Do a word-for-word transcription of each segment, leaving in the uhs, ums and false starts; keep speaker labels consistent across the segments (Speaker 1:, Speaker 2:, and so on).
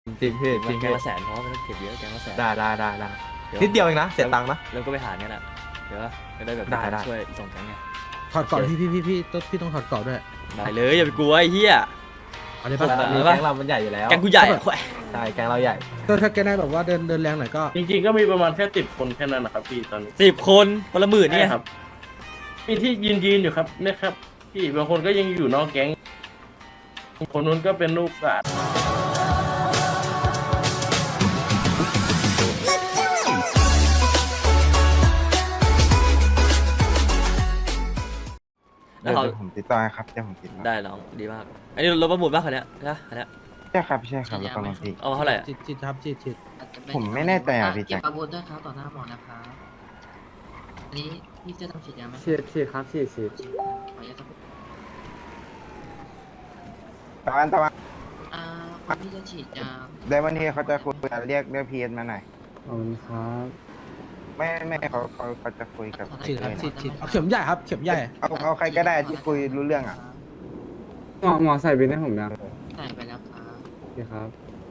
Speaker 1: จริงพี่จริง
Speaker 2: แก
Speaker 1: พี่
Speaker 2: งละแสนเพราะว่ามันต้องเก็บเยอะแกงละแสน
Speaker 1: ได้ได้ได้ได้
Speaker 2: ดี๋
Speaker 1: นิดเดียวเองนะเสียตังค์นะ
Speaker 2: แล้วก็ไปหารกันอ่ะเดี๋ยวก็ได้แบบ
Speaker 1: ได้ได้
Speaker 2: ช่วยส่งแกงไง
Speaker 3: ถอดกรอบพี่พี่พี่พี่ต้องพี่ต้องถอดกรอบด้วย
Speaker 2: ได้เลยอย่าไปกลัวไอ้เหี้ย
Speaker 3: เอาได้
Speaker 2: ผม
Speaker 3: ปะ
Speaker 2: อะ
Speaker 1: มี
Speaker 2: เอา
Speaker 1: แก๊
Speaker 2: ปะ
Speaker 1: งเรามันใหญ่อยู่แล้ว
Speaker 2: แกงกูใหญ่อะ
Speaker 1: ใช่แก๊งเราใหญ่
Speaker 3: ก็ถ้าแกได้แบบว่าเดินเดินแรงหน่อยก็
Speaker 4: จริงๆก็มีประมาณแค่สิบคนแค่นั้นนะครับพี่ตอนนี้
Speaker 2: สิบคนคนละหมื่น
Speaker 4: ใช่
Speaker 2: เนี่ย
Speaker 4: ครับมีที่ยืนยืนๆอยู่ครับเนี่ยครับพี่บางคนก็ยังอยู่นอกแก๊งคนนู้นก็เป็นลูกหลาน
Speaker 2: แล้
Speaker 5: เดี๋
Speaker 2: ว
Speaker 5: ยว
Speaker 2: เขา
Speaker 5: เดี๋ยวผมติดต่อให้ครับเดี๋ยวผมติดต่อ
Speaker 2: ได้น้องดีมากอันนี้รถประมูลป่ะคันเนี้ยใช่ปะคันเนี้ย
Speaker 5: ใช่ครับใช่ครับแล้วก็ลองพี่
Speaker 2: เอามาเท่าไหร่อะ
Speaker 3: จิตจิตครับจิตจิต
Speaker 6: อาจจะเป็
Speaker 5: ผมไม่แน่ใจอ่ะพี่
Speaker 6: เก็
Speaker 5: แจ็
Speaker 6: บ
Speaker 5: ค
Speaker 6: อาวุธด้วยครับต่อหน้าหมอนะครับอันนี้พี่จะต้องฉีดยาไหม
Speaker 7: ฉีดฉีดครับฉีดฉีด
Speaker 6: ขออนุญาตสักครู่
Speaker 5: ตะวันตะวัน
Speaker 6: อ่าคนที่จะฉีดยา
Speaker 5: เดี๋ยววันนี้เขาจะคุยกันเรียกเรียกพีเอสมาหน่อย
Speaker 7: ขอบคุณครับ
Speaker 5: ไม่ไม่เขาเขาเขาจะคุยกับ
Speaker 3: จิตครับ
Speaker 5: เลย
Speaker 3: จิตจิตเอาเข็มใหญ่ครับเข็มใหญ่
Speaker 5: เอาเอาใครก็ได้ที่คุยรู้เรื่องอ่ะ
Speaker 7: หมอหมอใส่บินให้ผมนะ
Speaker 6: ใส่ไปแล้วครับ
Speaker 7: โอเคครับ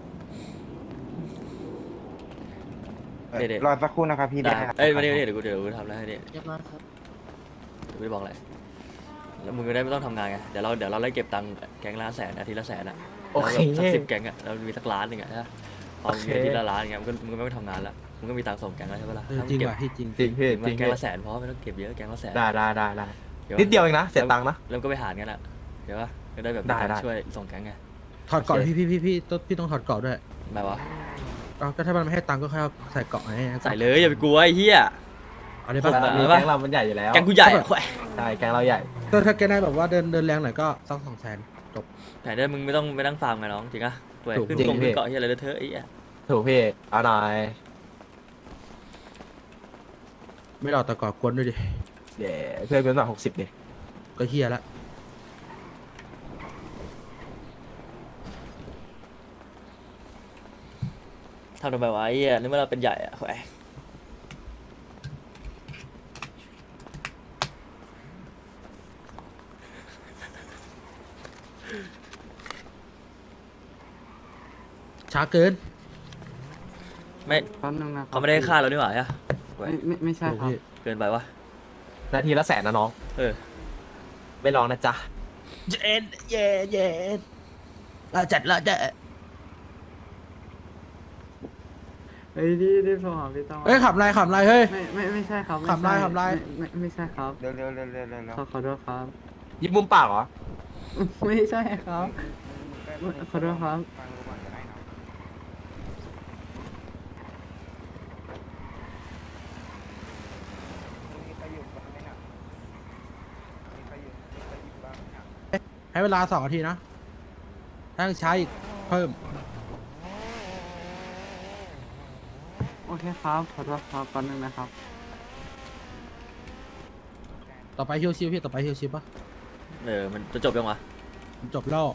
Speaker 5: เอ่อรอสักครู่นะครับพี่
Speaker 2: ได้
Speaker 5: ได้ครับ
Speaker 2: เอ้ยมาดิมาดิเดี๋ยวกูเดี๋ยวกูทำแล้วให้ดิ
Speaker 6: เรียบร้อยครับ
Speaker 2: เดี๋ยวกูจะบอกอะไรแล้วมึงก็ได้ไม่ต้องทำงานไงเดี๋ยวเราเดี๋ยวเราไล่เก็บตังค์แก๊งละแสนอาทิตย์ละแสนอ่ะ
Speaker 1: โอเค
Speaker 2: แล้วแบบสักสิบแก๊งอ่ะเรามีสักล้านหนึ่งอ่ะใช่ปะพอมึงมีอาทิตย์ละล้านอย่างเงี้ยมึงก็มึงก็ไม่ต้องทำงานละมึงก็มีตังค์ส่งแก๊งแล้วใช่ปะล่ะ
Speaker 3: เออ
Speaker 2: ถ้า
Speaker 3: จ
Speaker 2: มึ
Speaker 3: ริง
Speaker 2: งเก็บ
Speaker 3: ว่ะพี่จริง
Speaker 1: จริงพี่
Speaker 2: มั
Speaker 1: จริ
Speaker 2: น
Speaker 1: ง
Speaker 2: แก๊
Speaker 1: พี่
Speaker 2: งละแสนเพราะว่ามันต้องเก็บเยอะแก๊งละแสน
Speaker 1: ได้ได้ได้ได้
Speaker 2: ดี๋
Speaker 1: นิดเดียวเองนะเสียตังค์นะ
Speaker 2: แล้วก็ไปหารกันอ่ะเดี๋ยวก็ได้แบบ
Speaker 1: ได้ได้
Speaker 2: ช่วยส่งแก๊งไง
Speaker 3: ถอดกรอบพี่พี่พี่พี่ต้องพี่ต้องถอดกรอบด้วย
Speaker 2: แบบว่า
Speaker 3: เอาก็ถ้ามันไม่ให้ตังค์ก็แค่เอาใส่กรอบไง
Speaker 2: ใส่เลยอย่าไปกลัวไอ้เหี้ย
Speaker 3: เอาได้
Speaker 2: ผม
Speaker 3: ปะ
Speaker 2: อะ
Speaker 1: มีแก๊งเรามันใหญ่อยู่แล้ว
Speaker 2: แก๊งกูใหญ่อะ
Speaker 1: ใช่แก๊งเราใหญ่
Speaker 3: ก็ถ้าแกได้แบบว่าเดินเดินแรงหน่อยก็สักสองแสนจบ
Speaker 2: แต่ได้มึงไม่ต้องไปนั่งฟาร์มไงน้องจริงอะเว้ย
Speaker 3: ถูก
Speaker 2: ขึ้น
Speaker 1: จริง
Speaker 2: กง
Speaker 1: พี่
Speaker 2: ขึ้นเกาะเฮียอะไรเลอะเทอะไอ้เหี้ย
Speaker 1: ถูกพี่เอาหน่อย
Speaker 3: ไม่หลอกแต่ก่อกวนด้วยดิ
Speaker 1: เดี๋ยวเพื่อนเป็นหน่อยหกสิบดิ
Speaker 3: ก็เฮียละ
Speaker 2: ทำทำไมวะไอ้เหี้ยนึกว่าเราเป็นใหญ่อะเว้ย
Speaker 3: ช้าเกิน
Speaker 2: ไม่
Speaker 7: แป๊บนึงนะ
Speaker 2: เขาไม่ได้ฆ่าเรานี่หว่าใช่ปะเว้
Speaker 7: ไม่
Speaker 2: ย
Speaker 7: ไม่ไม่ใช่
Speaker 3: ถูก
Speaker 7: ครับ
Speaker 3: พี่
Speaker 2: เกินไปวะ
Speaker 1: นาทีละแสนนะน้อง
Speaker 2: เออ
Speaker 1: ไม่ลองนะจ๊ะ
Speaker 3: เย็นเย็นเย็นเราจัดเราจะ
Speaker 7: เฮ้ยรีบรีบโทรหาพี่ต้อง
Speaker 3: เฮ้ยขับไรขับไรเฮ้ย
Speaker 7: ไม่ไม่ไม่ใช่ครับม่
Speaker 3: ขับไล่
Speaker 7: ใช่
Speaker 3: ขับไล่
Speaker 7: ไม่ไม่ไม่ใช่ครับ
Speaker 5: เร็วเร็วเร็วเร็วเร็วเร็ว
Speaker 7: ขอขอโทษครับ
Speaker 1: ยิบมุมปากเหรอ
Speaker 7: ไม่ใช่ครับ ขอโทษครับ
Speaker 5: ฟังดูก่อนก็ได้เนอะมีใครอยู่บ้างไหมเนี่ยมีใครอยู่มีใครอยู่บ้างเนี่ย
Speaker 3: ให้เวลาสองนาทีนะถ้าช้าอีกเพิ่ม
Speaker 7: โอเคครับขอโทษครับแป๊บนึงนะครับ
Speaker 3: ต่อไปฮิวชิวพี่ต่อไปฮิวชิวปะ
Speaker 2: เออมันจะจบยังวะ
Speaker 3: จบแล้ว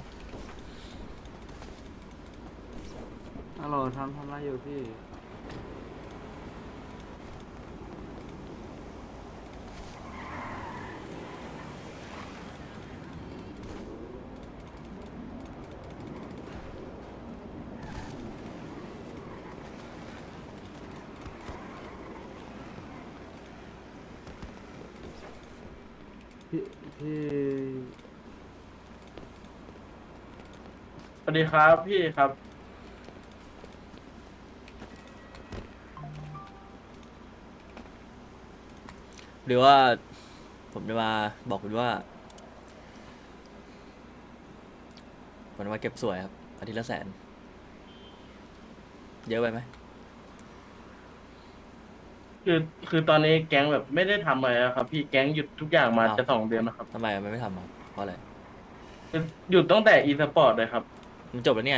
Speaker 7: ฮัลโหลทำทำอะไรอยู่พี่ พี่พี่
Speaker 4: สวัสดีครับพี่ครับ
Speaker 2: หรือว่าผมจะมาบอกคุณว่าผมจะมาเก็บสวยครับอาทิตย์ละแสนเยอะไปไหม
Speaker 4: คือคือตอนนี้แก๊งแบบไม่ได้ทำอะไรแล้วครับพี่แก๊งหยุดทุกอย่างมา
Speaker 2: อ้าว
Speaker 4: จะสองเดือนนะครับ
Speaker 2: ทำไมมันไม่ทำครับเพราะอะไร
Speaker 4: คือหยุดตั้งแต่อีสปอร์ตเลยครับ
Speaker 2: มันจบแล้วนี่ไง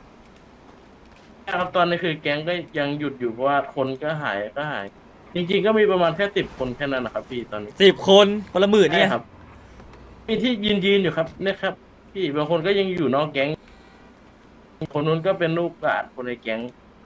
Speaker 4: ครับตอนนี้คือแก๊งก็ยังหยุดอยู่เพราะว่าคนก็หายก็หาย จริงๆก็มีประมาณแค่สิบคนแค่นั้นนะครับพี่ตอนนี้
Speaker 2: สิบคนคนละหมื่นเนี่ย
Speaker 4: ใช่ครับ มีที่ยืนยืนๆอยู่ครับเนี่ยครับ พี่บางคนก็ยังอยู่นอกแก๊ง คนนู้นก็เป็นลูกหลานคนในแก๊ง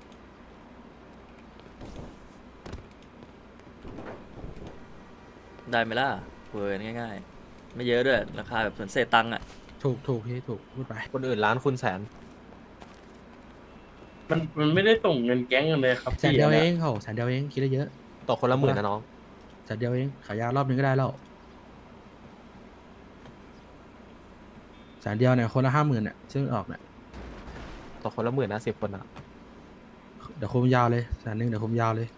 Speaker 2: ได้ไหมล่ะเวอร์ง่ายๆ ไม่เยอะด้วย ราคาแบบส่วนเศษตังค์อ่ะ
Speaker 3: ถูกถูกพี่ถูกพูดไป
Speaker 1: คนอื่นล้านคุณแสน
Speaker 4: มันมันไม่ได้ส่งเงินแก๊งกันเลยครับ
Speaker 3: แสนเดียว
Speaker 4: พี่
Speaker 3: เองโหแสนเดียวเองคิดได้เยอะ
Speaker 1: ตกคนละหมื่นนะน้อง
Speaker 3: แสนเดียวเองขายยารอบนึงก็ได้แล้วแสนเดียวเนี่ยคนละห้าหมื่นเนี่ยซึ่งออกเนี่ย
Speaker 1: ตกคนละหมื่นนะสิบคนอะ
Speaker 3: เดี๋ยวคุมยาวเลยแสนหนึ่งเดี๋ยวคุมยาวเลย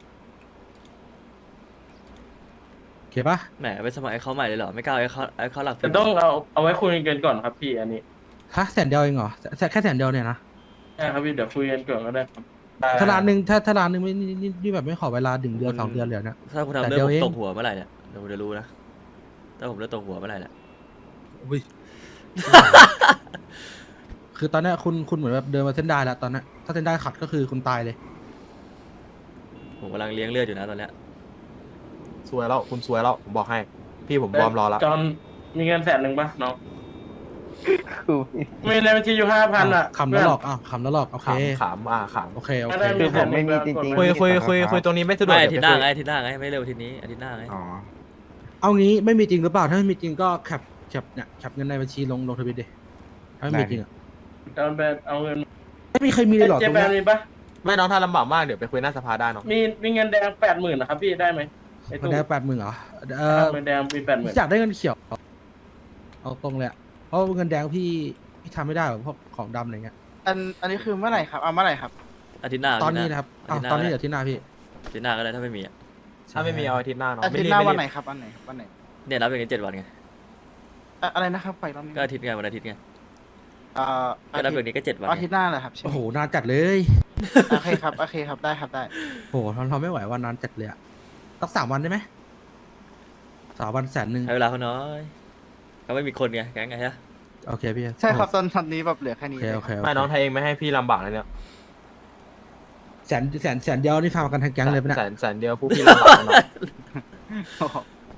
Speaker 3: โอเคปะ
Speaker 2: แหมไปสมัครไอ้เขาใหม่เลยเหรอไม่กล้าไอ้เขาไอ้เขาหลัก
Speaker 4: แต่ต้องเอาเอาไว้คุยกันก่อนครับพี่อันนี้
Speaker 3: ฮะแสนเดียวเองเหรอแสแค่แสนเดียวเนี่ยนะ
Speaker 4: ใช่ครับพี่เดี๋ยวคุยกันก่อนก็ได้ครับ
Speaker 3: ถ้าร้านหนึ่งถ้าถ้าร้านหนึ่งไม่นี่นี่นี่แบบไม่ขอเวลาดึงเดือนสองเดือนเลยนะ
Speaker 2: ถ้าคุณ
Speaker 3: แต่
Speaker 2: ทำ
Speaker 3: เดี๋
Speaker 2: เรื่อง
Speaker 3: ยว
Speaker 2: ผม
Speaker 3: เอง
Speaker 2: ตกหัวเมื่อไหร่เนี่ยเดี๋ยวผมจะรู้นะถ้าผมเริ่มตกหัวเมื่อไหร่เนี่ย
Speaker 3: อุ้ย คือตอนเนี้ยคุณคุณเหมือนแบบเดินมาเส้นได้แล้วตอนเนี้ยถ้าเส้นได้ขัดก็คือคุณตายเลย
Speaker 2: ผมกำลังเลี้ยงเลือดอยู่นะตอนเนี้ย
Speaker 1: สวยแล้วคุณสวยแล้วผมบอกให้ พี่ผมวอร์มรอแล้ว
Speaker 4: จอนมีเงินแสนหนึ่งป่ะน้องมีในบัญชีอยู่ห้าพันอ่ะ
Speaker 3: ขำแล้วหลอกอ้าวขำแล้วหลอกโอเค
Speaker 1: ขำขำอ่าข
Speaker 3: โอเคโอ
Speaker 4: ถ้า
Speaker 3: เค
Speaker 4: ได้มีแสนห
Speaker 5: ไม่
Speaker 4: นึ่ง
Speaker 5: มีจริงๆ
Speaker 1: ำคุยคุยคุยคุยตรงนี้ไม่สะดวก
Speaker 2: ไม่อาทิตย์หน้า
Speaker 1: เดี๋ยว
Speaker 2: ไง
Speaker 1: ไปคุย
Speaker 2: อาทิตย์หน้าไงไม่เร็วอาทิตย์นี้อาทิตย์หน้าไง
Speaker 5: อ๋อ
Speaker 3: เอางี้ไม่มีจริงหรือเปล่าถ้าไม่มีจริงก็แคปแคปเนี่ยแคปเงินในบัญชีลงลงทวิตดิถ้าไม่มีจริงอ่ะ
Speaker 4: จอนไปเอาเงิน
Speaker 3: ไม่มีใครมีเลยเหรอ
Speaker 4: เจ
Speaker 3: ตรง
Speaker 4: แป
Speaker 3: เนี้
Speaker 4: น
Speaker 3: ย
Speaker 4: มีปะ
Speaker 1: ไม่น้องถ้าลำบากมากเดี๋ยวไปคุยหน้าสภาได้น้อง
Speaker 4: มีมีเงินแดงแปดหมื่นนะครับพี่ได้ไหมไอ้
Speaker 3: มัน
Speaker 4: ตู้
Speaker 3: ได้แปดหมื่นเหรอเออ
Speaker 4: เงินแดงมีแปดหมื่น
Speaker 3: อยากได้เงินเขียวเอาตรงเลยอะเพราะเงินแดงพี่พี่ทำไม่ได้หรอกเพราะของดำอะไรเงี้ย
Speaker 5: อันอันนี้คือเมื่อไหร่ครับเอาเมื่อไหร่ครับ
Speaker 2: อาทิตย์หน้า
Speaker 3: ตอนนี้นะครับอ้าวตอนนี้เดี๋ยวที่หน้าพี่
Speaker 2: อาทิตย์หน้าก็ได้ถ้าไม่มีอะ
Speaker 1: ถ้าไม่มีเอาอาทิตย์หน้าน้อง
Speaker 5: อา
Speaker 1: ไม่
Speaker 5: ทิต
Speaker 1: รี
Speaker 5: ย์
Speaker 1: บ
Speaker 5: หน้า
Speaker 1: ไม่
Speaker 5: วัน
Speaker 1: รี
Speaker 5: ไหน
Speaker 1: บ
Speaker 5: ครับวันไหนวันไหน
Speaker 2: เนี่ยรับอย่างนี้เจ็ดวันไง
Speaker 5: อะอะไรนะครับไปรอบนี้
Speaker 2: ก็อาทิตย์ไงวันอาทิตย์ไง
Speaker 5: เอ่อ
Speaker 2: ก็รับอย่างนี้ก็เจ็ดวัน
Speaker 5: อา
Speaker 2: ไง
Speaker 5: ทิตย์หน้าเหรอครับใช่ไหม
Speaker 3: โอ้โหนานจัดเลย
Speaker 5: โอเคครับโอเคครับได้ครับได้
Speaker 3: โอ้โหทำทำไม่ไหววันนานจัดเลยอะสักสามวันได้ไหมสามวันแสนหนึ่ง
Speaker 2: ให้เวลาเขาน้อยก็ไม่มีคนไงแก๊งไงฮะ
Speaker 3: โอเคพี่
Speaker 5: ใช่ครับตอนตอนนี้แบบเหลือแค่
Speaker 3: โอ
Speaker 5: นี้
Speaker 3: เคโอเคโอเค
Speaker 1: ไม่น้องไทยเองไม่ให้พี่ลำบากเลยเนี่ย
Speaker 3: แสนแสนแสนเดียวนี่ทำกันทั้งแก๊งเลยปะเนี่ย
Speaker 1: แสนแสนเดียวผู้พี่ลำบากนะน้อง
Speaker 5: โอ้โห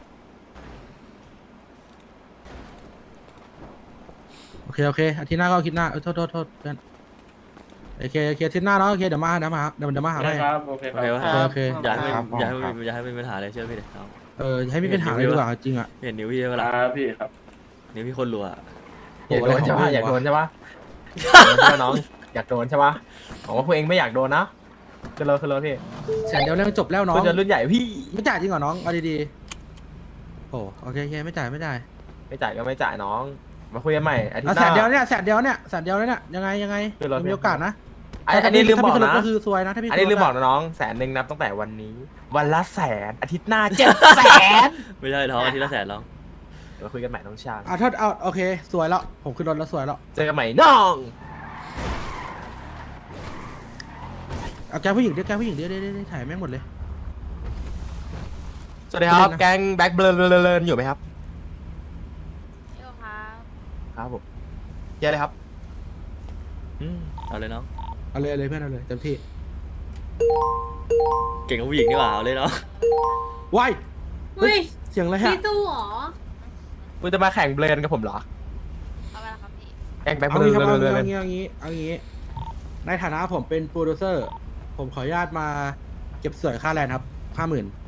Speaker 3: โอเคโอเคอาทิตย์หน้าก็อาทิตย์หน้าเออโทษโทษโทษเพื่อนโอเคโอเคอาทิตย์หน้าแล้วโอเคเดี๋ยวมาเดี๋ยวมาเดี๋ยวเดี๋ยวมาหา
Speaker 4: ได้
Speaker 3: ให้
Speaker 4: ครับโอเค
Speaker 2: โอ
Speaker 4: ค
Speaker 2: เครับ วะ
Speaker 3: โอเค
Speaker 2: อย่าให้
Speaker 5: ครับ
Speaker 2: มันอย่าให้มันอย่าให้มันมีปัญหาเลยเชื่อพี่เดี๋ยวเอา
Speaker 3: เออให้มีปัญหาอะไรดีกว่าจริงอ่ะ
Speaker 2: เห็นนิ้วพี่เว
Speaker 4: ค
Speaker 2: ลา
Speaker 4: รับพี่ครับ
Speaker 2: นิ้วพี่คนรัวอะ
Speaker 3: โอ้
Speaker 1: อยาก
Speaker 3: โห
Speaker 1: โดน
Speaker 3: อะไร
Speaker 1: ใช่
Speaker 3: ของ
Speaker 1: ปะ
Speaker 3: พี่
Speaker 1: อยากโด
Speaker 3: วะ
Speaker 1: นใช่ปะอยากโดนใช่ปะน้องอยากโดนใช่ปะบอกว่าพวกเองไม่อยากโดนนะขึ้นรถขึ้นรถพี่
Speaker 3: แสนเดียวเรื่องจบแล้วน้อง
Speaker 1: เพื่อนรุ่นใหญ่พี่
Speaker 3: ไม่จ่ายจริงเหรอน้องเอาดีๆโอ้โอเคโอเคไม่จ่ายไม่จ่าย
Speaker 1: ไม่จ่ายก็ไม่จ่ายน้อง มาคุยกันใหม่อาทิต
Speaker 3: เอา
Speaker 1: ย์ห
Speaker 3: แส
Speaker 1: น้าน
Speaker 3: เดียวเนี่ยแสนเดียวเนี่ยแสนเดียวเนี่ยยังไงยังไง
Speaker 1: คือเรา
Speaker 3: มีโอกาสนะ
Speaker 1: อันอันนี้ลืมบอก
Speaker 3: ถ้าพี่
Speaker 1: นะ
Speaker 3: ก็คือซวยนะถ้าพี่
Speaker 1: อันนี้ลืมบอก
Speaker 3: นะ
Speaker 1: นะน้องแสนหนึ่งนับตั้งแต่วันนี้ วันละแสนอาทิตย์หน้าเจ็ดแสน
Speaker 2: ไม่ใช่ท้องอาทิตย์ละแสนร้อง
Speaker 1: เดี๋ยวคุยกันใหม่น้องชาย
Speaker 3: อ่ะถ้าเอาโอเคสวยแล้วผมขึ้นรถแล้วสวยแล้ว
Speaker 1: เจอกันใหม่น้อง
Speaker 3: เอาแกผู้หญิงเดี๋ยวแกผู้หญิงเดี๋ยวเดี๋ยวเดี๋ยวถ่ายแม่งหมดเลย
Speaker 1: สวัสดีครับ
Speaker 3: เล่นนะ
Speaker 1: แก๊งแบ็คเบลเลนอยู่ไหมครับ
Speaker 8: โยครับ
Speaker 1: ครับผมเยอะเลยครับ
Speaker 2: อืมเอาเลยน้อง
Speaker 3: เอาเลยเอาเลยเพื่อนเอาเลยเต็มที่
Speaker 2: เก่งกับผู้หญิงนี่หว่าเอาเลยเนาะ
Speaker 3: ว้าย
Speaker 8: เฮ้ย
Speaker 3: เสียงอะไรฮะ
Speaker 8: พี่ตู้เหรอ
Speaker 1: คุณจะมาแข่งเบลนกับผมเหรอ
Speaker 8: เอาไปละครับพี่
Speaker 1: แก๊งแบ็คเบ
Speaker 3: เอา
Speaker 1: ล
Speaker 3: งี้ครับเอา
Speaker 1: เล
Speaker 3: งี้
Speaker 1: น
Speaker 3: เอางี้เอางี้เอางี้ในฐานะผมเป็นโปรดิวเซอร์ ผมขออนุญาตมาเก็บสวยค่าแรงครับห้าหมื่น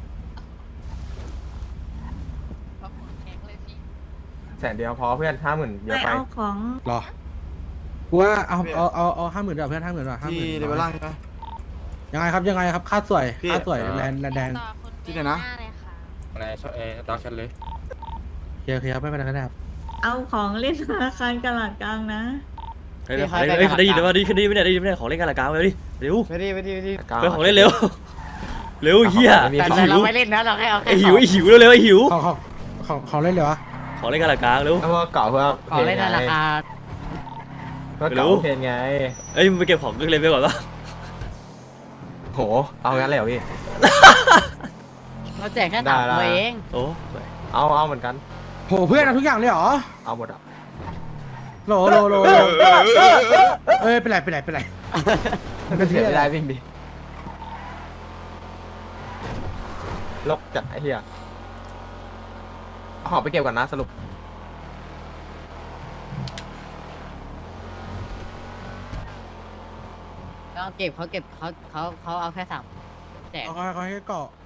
Speaker 8: ขอบคุณแข็งเลยพี่
Speaker 1: แสนเดียวพอเพื่อนห้าหมื่นเยอะ
Speaker 8: ไม่
Speaker 1: ไป
Speaker 8: เอาของ
Speaker 3: รอกูว่าเอาเอาเอาเอาห้าหมื่นดีกว่าเพื่อนห้าหมื่นดีกว่าห้าหมื่น
Speaker 5: ที่เลเวลล่างใช่ไหม
Speaker 3: ยังไงครับยังไงครับค่าสวย
Speaker 5: พี่
Speaker 3: ค่าสวยแลนแลนแดง
Speaker 8: ต่อคุณ
Speaker 5: ที่ไหนนะ
Speaker 8: หาเลยค่ะ
Speaker 5: อะไรชอบเออดาวชันเลย
Speaker 3: โอเคโอเคครับไม่เป็นไรก็ได้ครับ
Speaker 8: เอาของเล่นธนาคารกลาดกลางนะ
Speaker 2: เฮ้ยเฮ้ยเฮ้ยได้ยินไหมได้ยินได้ยินไหมเนี่ยได้ยินไหมเนี่ยของเล่นกันละกลางเลยดิเร็ว
Speaker 5: ไม่ดีไม่ดีไม่ดี
Speaker 2: ไปของเล่นเร็วเร็วเฮีย
Speaker 1: ไม่มี
Speaker 2: ไอ้
Speaker 5: แต่
Speaker 2: หิ
Speaker 5: เรา
Speaker 2: ว
Speaker 5: ไม่เล่นนะเราแค่เอาแค่
Speaker 2: ไอ้หิวไอ้หิวเร็วเร็วไอ้หิว
Speaker 3: ของของของของเล่นเลยวะ
Speaker 2: ของเล่นกันละกลางเร็ว
Speaker 1: แล้วก็เก่าเพื่อ
Speaker 5: ขอเล่นในราคา
Speaker 1: เพื่อเก่า
Speaker 2: รู้
Speaker 1: เพลงไง
Speaker 2: เอ้ยมึงไปเก็บของเล่นไปก่อนปะ
Speaker 1: โหเอางั้นเลยเหรอพี่
Speaker 5: เราแจกแค่
Speaker 1: ได้
Speaker 5: สาม
Speaker 1: ละ
Speaker 5: ตัวเอง
Speaker 2: โอ้
Speaker 1: เอาเอาเหมือนกัน
Speaker 3: โหเพื่อนเอาทุกอย่างเลยเหรอ
Speaker 1: เอาหมดอ่ะ
Speaker 3: โหลโหลโหลโหลเอ้ยเป็นไรเป็นไรเป็นไร
Speaker 1: ก็เสียไม่ได้วิ่งดิลกจัดไอ้เหี้ยเอาหอบไปเก็บก่อนนะสรุป
Speaker 5: เราเก็บเขาเก็บเขาเขาเขาเอาแค่สามแจก
Speaker 3: เอาเขาเขาให้เกาะ